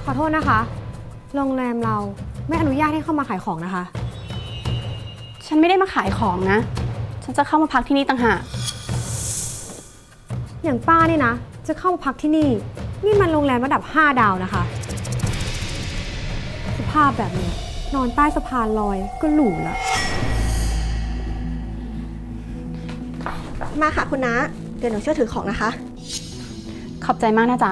ขอโทษนะคะ โรงแรมเราไม่อนุญาตให้เข้ามาขายของนะคะฉันไม่ได้มาขายของนะ ฉันจะเข้ามาพักที่นี่ต่างหากอย่างป้านี่นะ จะเข้ามาพักที่นี่ นี่มันโรงแรมระดับ 5 ดาวนะคะ สภาพแบบนี้นอนใต้สะพานลอยก็หรูละมาค่ะคุณน้า เดี๋ยวหนูช่วยถือของนะคะขอบใจมากนะจ๊ะ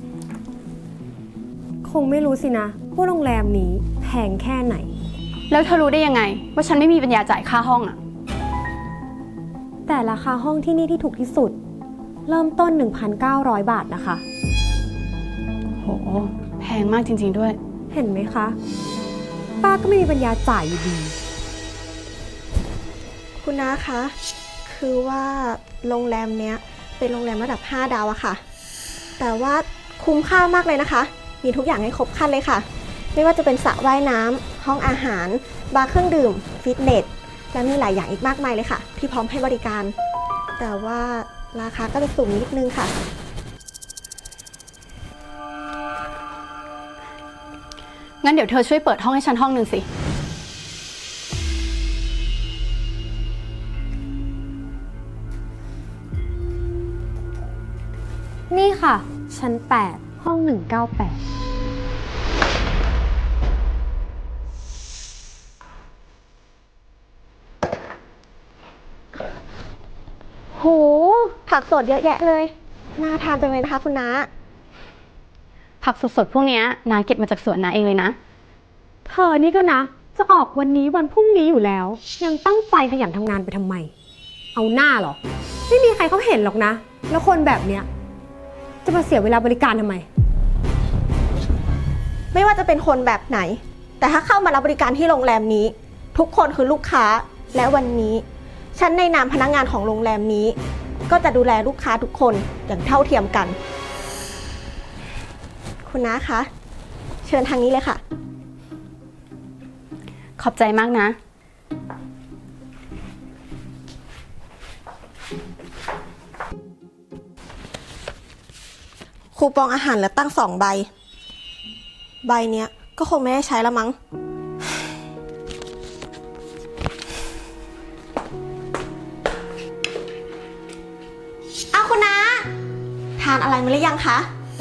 คงไม่รู้สินะว่าโรงแรมนี้แพงแค่ไหนแล้วเธอรู้ได้ยังไง ว่าฉันไม่มีปัญญาจ่ายค่าห้องอะแต่ราคาห้องที่นี่ที่ถูกที่สุด เริ่มต้น 1,900 บาทนะคะโห แพงมากจริงๆด้วยเห็นไหมคะ ป้าก็ไม่มีปัญญาจ่ายอยู่ดีคุณน้าคะ คือว่าโรงแรมเนี้ยเป็นโรงแรมระดับ 5 ดาวอะค่ะ แต่ว่าคุ้มค่ามากเลยนะคะ มีทุกอย่างให้ครบครันเลยค่ะ ไม่ว่าจะเป็นสระว่ายน้ำห้องอาหาร บาร์เครื่องดื่ม ฟิตเนส และมีหลายอย่างอีกมากมายเลยค่ะ ที่พร้อมให้บริการ แต่ว่าราคาก็จะสูงนิดนึงค่ะงั้นเดี๋ยวเธอช่วยเปิดห้องให้ฉันห้องหนึ่งสินี่ค่ะ ชั้น 8 ห้อง 198 โห ผักสดเยอะแยะเลย น่าทานจังเลยนะคะคุณน้าผักสดๆพวกเนี้ยนาเก็บมาจากสวนนาเองเลยนะเธอนี่ก็นะ จะออกวันนี้วันพรุ่งนี้อยู่แล้ว ยังตั้งใจขยันทำงานไปทำไม เอาหน้าเหรอ ไม่มีใครเขาเห็นหรอกนะ แล้วคนแบบเนี้ยจะมาเสียเวลาบริการทำไมไม่ว่าจะเป็นคนแบบไหน แต่ถ้าเข้ามารับบริการที่โรงแรมนี้ ทุกคนคือลูกค้า และวันนี้ ฉันในนามพนักงานของโรงแรมนี้ ก็จะดูแลลูกค้าทุกคนอย่างเท่าเทียมกัน คุณน้าคะ เชิญทางนี้เลยค่ะขอบใจมากนะคูปองอาหารเหลือตั้ง2 ใบ ใบเนี้ยก็คงไม่ได้ใช้แล้วมั้ง เอาคุณน้า ทานอะไรมาหรือยังคะ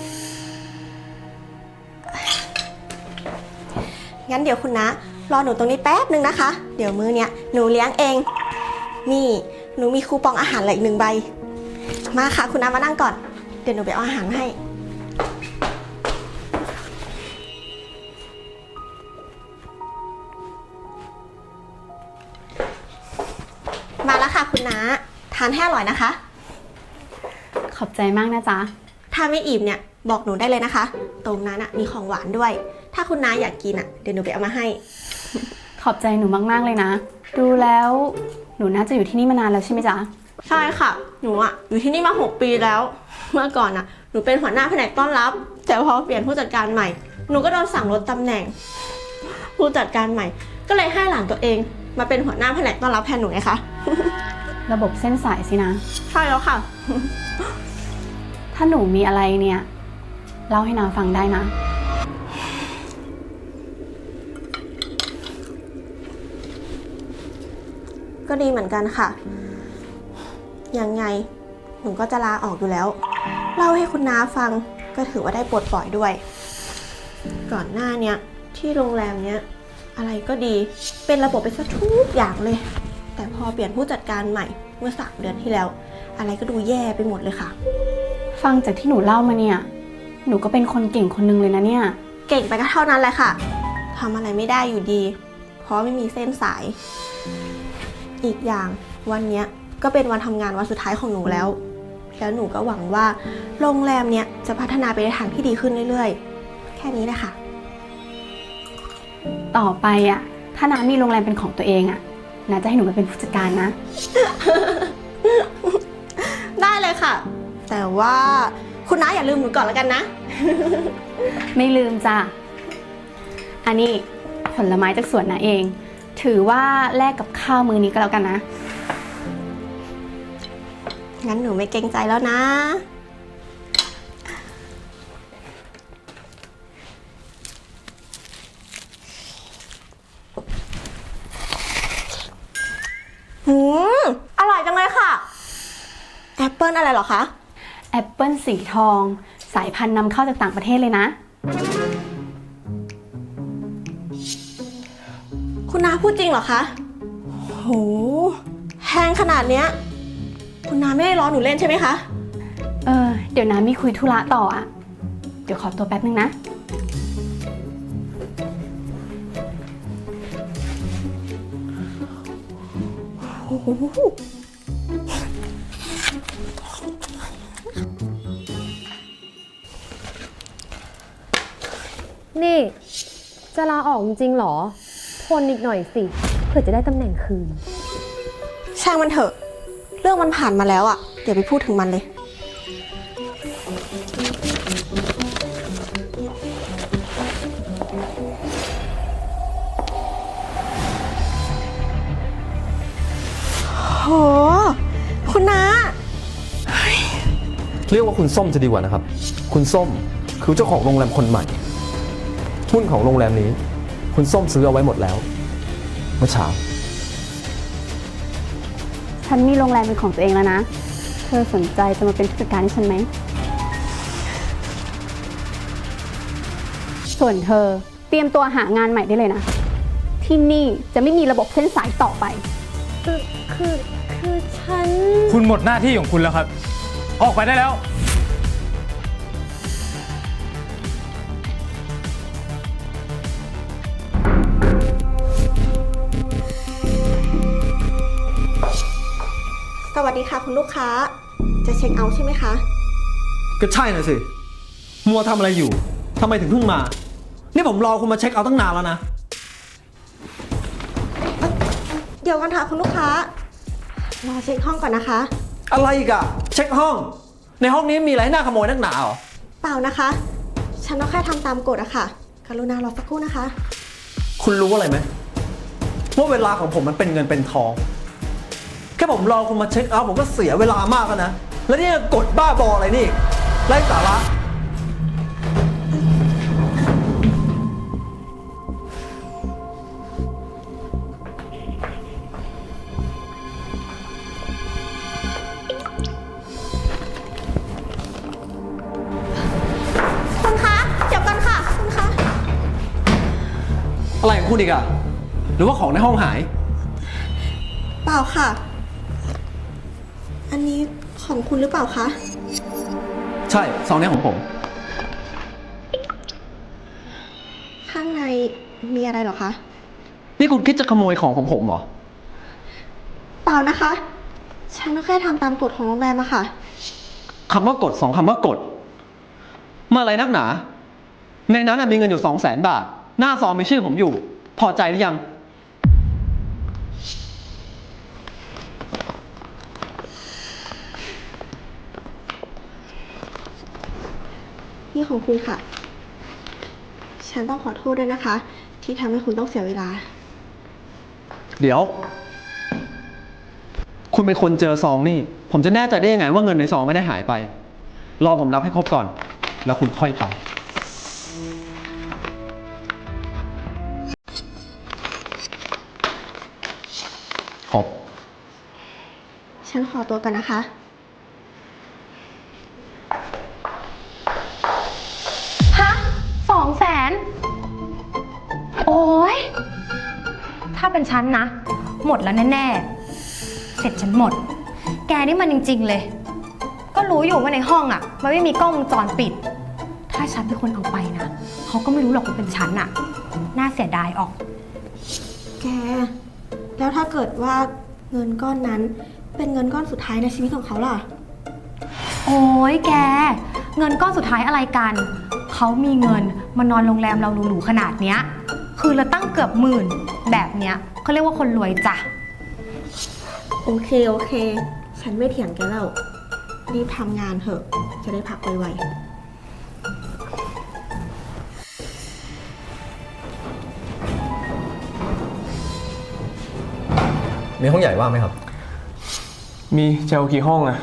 งั้นเดี๋ยวคุณน้ารอหนูตรงนี้แป๊บนึงนะคะ เดี๋ยวมื้อเนี้ยหนูเลี้ยงเอง นี่หนูมีคูปองอาหารเหลืออีก1 ใบ มาค่ะคุณน้ามานั่งก่อน เดี๋ยวหนูไปเอาอาหารมาให้ มาแล้วค่ะคุณน้า ทานให้อร่อยนะคะขอบใจมากนะจ๊ะถ้าไม่อิ่มเนี่ยบอกหนูได้เลยนะคะ ตรงนั้นมีของหวานด้วย ถ้าคุณน้าอยากกินเดี๋ยวหนูไปเอามาให้ขอบใจหนูมากๆเลยนะ ดูแล้วหนูน่าจะอยู่ที่นี่มานานแล้วใช่ไหมจ๊ะใช่ค่ะ หนูอยู่ที่นี่มา6 ปีแล้ว เมื่อก่อนหนูเป็นหัวหน้าแผนกต้อนรับ แต่พอเปลี่ยนผู้จัดการใหม่ หนูก็โดนสั่งลดตำแหน่ง ผู้จัดการใหม่ ก็เลยให้หลานตัวเองมาเป็นหัวหน้าแผนกต้อนรับแทนหนูไงคะระบบเส้นสายสินะใช่แล้วค่ะถ้าหนูมีอะไรเนี่ยเล่าให้นาฟังได้นะก็ดีเหมือนกันค่ะ ยังไงหนูก็จะลาออกอยู่แล้ว เล่าให้คุณน้าฟังก็ถือว่าได้ปลดปล่อยด้วย ก่อนหน้าเนี้ยที่โรงแรมเนี้ยอะไรก็ดี เป็นระบบไปซะทุกอย่างเลย แต่พอเปลี่ยนผู้จัดการใหม่เมื่อ3 เดือนที่แล้ว อะไรก็ดูแย่ไปหมดเลยค่ะฟังจากที่หนูเล่ามาเนี่ย หนูก็เป็นคนเก่งคนนึงเลยนะเนี่ยเก่งไปก็เท่านั้นแหละค่ะทำอะไรไม่ได้อยู่ดี เพราะไม่มีเส้นสาย อีกอย่างวันเนี้ยก็เป็นวันทำงานวันสุดท้ายของหนูแล้ว แล้วหนูก็หวังว่าโรงแรมเนี้ยจะพัฒนาไปในทางที่ดีขึ้นเรื่อยๆ แค่นี้แหละค่ะต่อไปถ้าน้ามีโรงแรมเป็นของตัวเองน้าจะให้หนูมาเป็นผู้จัดการนะได้เลยค่ะ แต่ว่าคุณน้าอย่าลืมหนูก่อนแล้วกันนะไม่ลืมจ้ะ อันนี้ผลไม้จากสวนนาเอง ถือว่าแลกกับข้าวมื้อนี้ก็แล้วกันนะงั้นหนูไม่เกรงใจแล้วนะอะไรเหรอคะแอปเปิลสีทอง สายพันธุ์นำเข้าจากต่างประเทศเลยนะคุณน้าพูดจริงเหรอคะโหแพงขนาดเนี้ยคุณน้าไม่ได้ล้อหนูเล่นใช่ไหมคะเดี๋ยวนะมีคุยธุระต่ออะเดี๋ยวขอตัวแป๊บนึงนะโอ้โหนี่ จะลาออกจริงๆเหรอ ทนอีกหน่อยสิ เพื่อจะได้ตำแหน่งคืนช่างมันเถอะ เรื่องมันผ่านมาแล้วอะเดี๋ยวไปพูดถึงมันเลย โห คุณน้าเรียกว่าคุณส้มจะดีกว่านะครับ คุณส้มคือเจ้าของโรงแรมคนใหม่ หุ้นของโรงแรมนี้ คุณส้มซื้อเอาไว้หมดแล้วเมื่อเช้าฉันมีโรงแรมเป็นของตัวเองแล้วนะ เธอสนใจจะมาเป็นผู้จัดการให้ฉันไหม ส่วนเธอเตรียมตัวหางานใหม่ได้เลยนะ ที่นี่จะไม่มีระบบเส้นสายต่อไปคือฉันคุณหมดหน้าที่ของคุณแล้วครับ ออกไปได้แล้วสวัสดีค่ะคุณลูกค้า จะเช็คเอาท์ใช่ไหมคะก็ใช่น่ะสิ มัวทำอะไรอยู่ทำไมถึงเพิ่งมา นี่ผมรอคุณมาเช็คเอาท์ตั้งนานแล้วนะเดี๋ยวกันค่ะคุณลูกค้า รอเช็คห้องก่อนนะคะอะไรอีกอะเช็คห้อง ในห้องนี้มีอะไรให้น่าขโมยนักหนาเหรอเปล่านะคะ ฉันก็แค่ทำตามกฎอะค่ะ กรุณารอสักครู่นะคะคุณรู้อะไรไหมว่าเวลาของผมมันเป็นเงินเป็นทอง แค่ผมรอคุณมาเช็คเอาท์ผมก็เสียเวลามากแล้วนะ แล้วนี่กดบ้าบออะไรนี่ไร้สาระคุณคะ เดี๋ยวกันค่ะ คุณคะอะไรของคุณอีกอะหรือว่าของในห้องหายเปล่าค่ะ อันนี้ของคุณหรือเปล่าคะใช่ซองนี้ของผมข้างในมีอะไรเหรอคะนี่คุณคิดจะขโมยของของผมเหรอเปล่านะคะ ฉันก็แค่ทำตามกฎของโรงแรมอะค่ะคำว่ากด2 คำว่ากดมาอะไรนักหนา ในนั้นนะมีเงินอยู่200,000 บาท หน้าซองมีชื่อผมอยู่ พอใจหรือยังนี่ของคุณค่ะ ฉันต้องขอโทษด้วยนะคะ ที่ทำให้คุณต้องเสียเวลาเดี๋ยว คุณเป็นคนเจอซองนี่ ผมจะแน่ใจได้ยังไงว่าเงินในซองไม่ได้หายไป รอผมนับให้ครบก่อน แล้วคุณค่อยไปครบฉันขอตัวกันนะคะฮะ200,000 โอ้ยถ้าเป็นฉันนะ หมดแล้วแน่ๆ เสร็จฉันหมด แกนี่มันจริงๆเลย ก็รู้อยู่ว่าในห้องอ่ะ มันไม่มีกล้องวงจรปิด ถ้าฉันเป็นคนเอาไปนะ เขาก็ไม่รู้หรอกว่าเป็นฉันอ่ะ น่าเสียดายออกแก แล้วถ้าเกิดว่าเงินก้อนนั้นเป็นเงินก้อนสุดท้ายในชีวิตของเขาล่ะโอ้ยแก เงินก้อนสุดท้ายอะไรกัน เขามีเงินมานอนโรงแรมเราหรูๆขนาดเนี้ย คือเราตั้งเกือบ10,000แบบเนี้ยเขาเรียกว่าคนรวยจ้ะโอเค โอเค ฉันไม่เถียงแกแล้ว รีบทำงานเถอะ จะได้พักไวๆมีห้องใหญ่ว่างไหมครับมีจะเอากี่ห้องอะ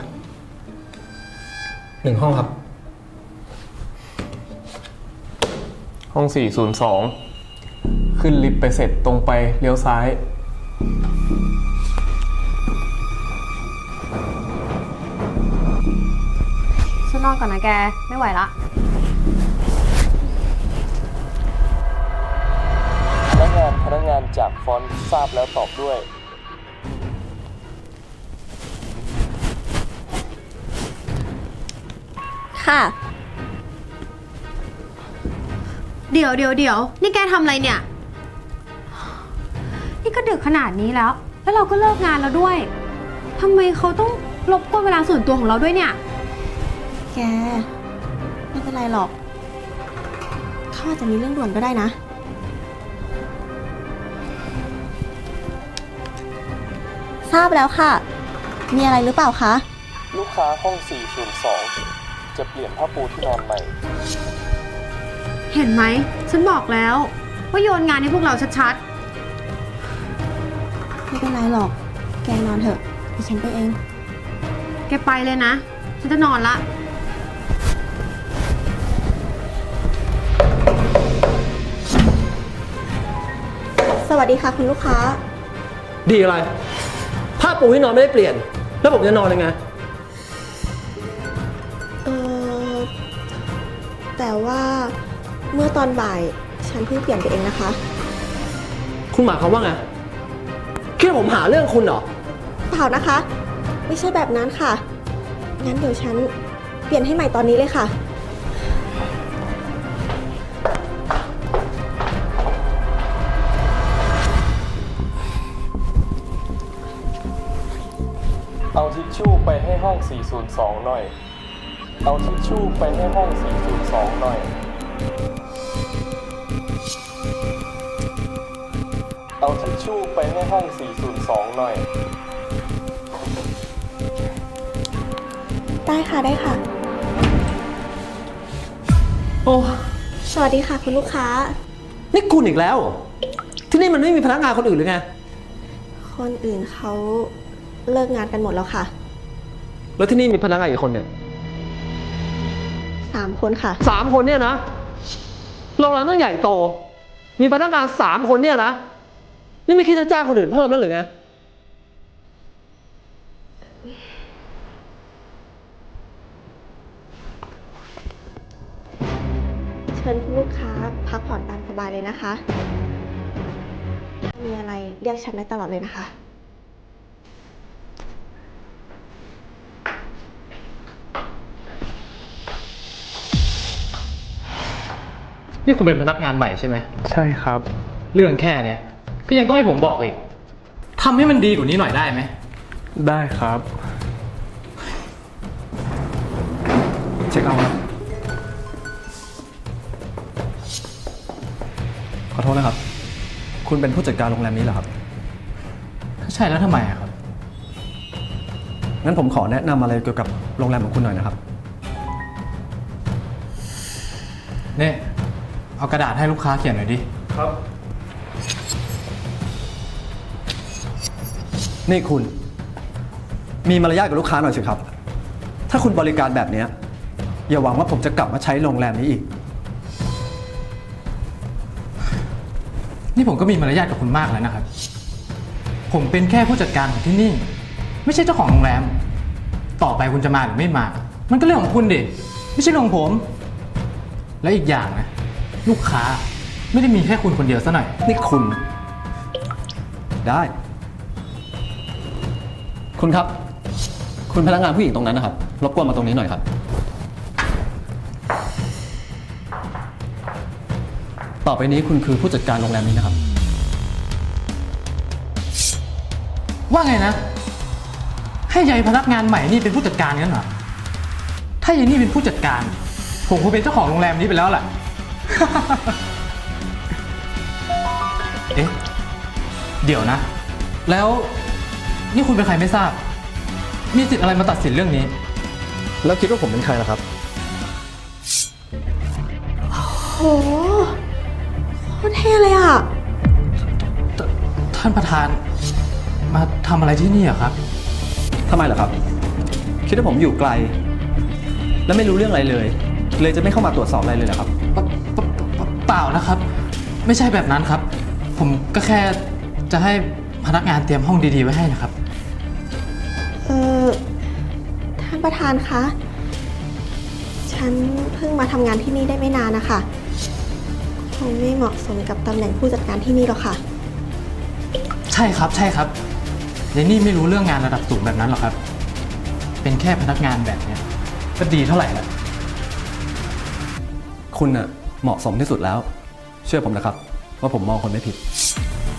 1 ห้องครับห้อง 402 ขึ้นลิฟต์ไปเสร็จตรงไปเลี้ยวซ้ายคนอนก่อนนะแก ไม่ไหวละพนักงานจากฟอนต์ทราบแล้วตอบด้วยค่ะเดี๋ยวนี่แกทำอะไรเนี่ย นี่ก็ดึกขนาดนี้แล้ว แล้วเราก็เลิกงานแล้วด้วยทำไมเขาต้องรบกวนเวลาส่วนตัวของเราด้วยเนี่ยแก ไม่เป็นไรหรอก เขาอาจจะมีเรื่องด่วนก็ได้นะ ทราบแล้วค่ะ มีอะไรหรือเปล่าคะลูกค้าห้อง 402 จะเปลี่ยนผ้าปูที่นอนใหม่เห็นไหม ฉันบอกแล้วว่าโยนงานให้พวกเราชัดไม่เป็นไรหรอก แกนอนเถอะดิฉันไปเองๆ แกไปเลยนะ ฉันจะนอนละสวัสดีค่ะคุณลูกค้าดีอะไร ผ้าปูที่นอนไม่ได้เปลี่ยน แล้วผมจะนอนยังไงเออแต่ว่าเมื่อตอนบ่ายฉันเพิ่งเปลี่ยนไปเองนะคะคุณหมายความว่าไงคิดว่าผมหาเรื่องคุณเหรอเปล่านะคะ ไม่ใช่แบบนั้นค่ะ งั้นเดี๋ยวฉันเปลี่ยนให้ใหม่ตอนนี้เลยค่ะเอาทิชชู่ไปให้ห้อง 402 หน่อย เอาทิชชู่ไปให้ห้อง 402 หน่อย เอาทิชชู่ไปให้ห้อง 402 หน่อยได้ค่ะได้ค่ะโอ้สวัสดีค่ะคุณลูกค้านี่คุณอีกแล้วเหรอที่นี่มันไม่มีพนักงานคนอื่นหรือไงคนอื่นเขาเลิกงานกันหมดแล้วค่ะแล้วที่นี่มีพนักงานกี่คนเนี่ย 3 คนค่ะ 3 คนเนี่ยนะโรงแรมต้องใหญ่โต มีพนักงาน3 คนเนี่ยนะ นี่ไม่คิดจะจ้างคนอื่นเพิ่มแล้วหรือไงเชิญคุณลูกค้าพักผ่อนตามสบายเลยนะคะ มีอะไรเรียกฉันได้ตลอดเลยนะคะนี่คุณเป็นพนักงานใหม่ใช่ไหมใช่ครับเรื่องแค่เนี้ยก็ยังต้องให้ผมบอกอีกทำให้มันดีกว่านี้หน่อยได้ไหมได้ครับเช็คเอาท์ขอโทษนะครับ คุณเป็นผู้จัดการโรงแรมนี้เหรอครับถ้าใช่แล้วทำไมอะครับงั้นผมขอแนะนำอะไรเกี่ยวกับโรงแรมของคุณหน่อยนะครับนี่เอากระดาษให้ลูกค้าเขียนหน่อยดิครับ นี่คุณ มีมารยาทกับลูกค้าหน่อยสิครับ ถ้าคุณบริการแบบเนี้ยอย่าหวังว่าผมจะกลับมาใช้โรงแรมนี้อีกนี่ผมก็มีมารยาทกับคุณมากแล้วนะครับ ผมเป็นแค่ผู้จัดการของที่นี่ ไม่ใช่เจ้าของโรงแรม ต่อไปคุณจะมาหรือไม่มา มันก็เรื่องของคุณดิไม่ใช่เรื่องของผม และอีกอย่างนะลูกค้าไม่ได้มีแค่คุณคนเดียวซะหน่อยนี่คุณ ได้ คุณครับ คุณพนักงานผู้หญิงตรงนั้นนะครับ รบกวนมาตรงนี้หน่อยครับ ต่อไปนี้คุณคือผู้จัดการโรงแรมนี้นะครับว่าไงนะ ให้ยายพนักงานใหม่นี่เป็นผู้จัดการงั้นเหรอ ถ้ายายนี่เป็นผู้จัดการ ผมคงเป็นเจ้าของโรงแรมนี้ไปแล้วแหละ เอ๊ะ เดี๋ยวนะ แล้วนี่คุณเป็นใครไม่ทราบ มีสิทธิ์อะไรมาตัดสินเรื่องนี้แล้วคิดว่าผมเป็นใครล่ะครับโหโคตรเท่เลยอ่ะท่านประธานมาทำอะไรที่นี่อะครับทำไมล่ะครับ คิดว่าผมอยู่ไกล และไม่รู้เรื่องอะไรเลย เลยจะไม่เข้ามาตรวจสอบอะไรเลยเหรอครับเปล่านะครับ ไม่ใช่แบบนั้นครับ ผมก็แค่จะให้พนักงานเตรียมห้องดีๆไว้ให้นะครับท่านประธานคะฉันเพิ่งมาทำงานที่นี่ได้ไม่นานนะคะคงไม่เหมาะสมกับตำแหน่งผู้จัดการที่นี่หรอกค่ะใช่ครับ ใช่ครับยายนี่ไม่รู้เรื่องงานระดับสูงแบบนั้นหรอกครับ เป็นแค่พนักงานแบบเนี้ยก็ดีเท่าไหร่ละคุณน่ะเหมาะสมที่สุดแล้ว เชื่อผมนะครับ ว่าผมมองคนไม่ผิด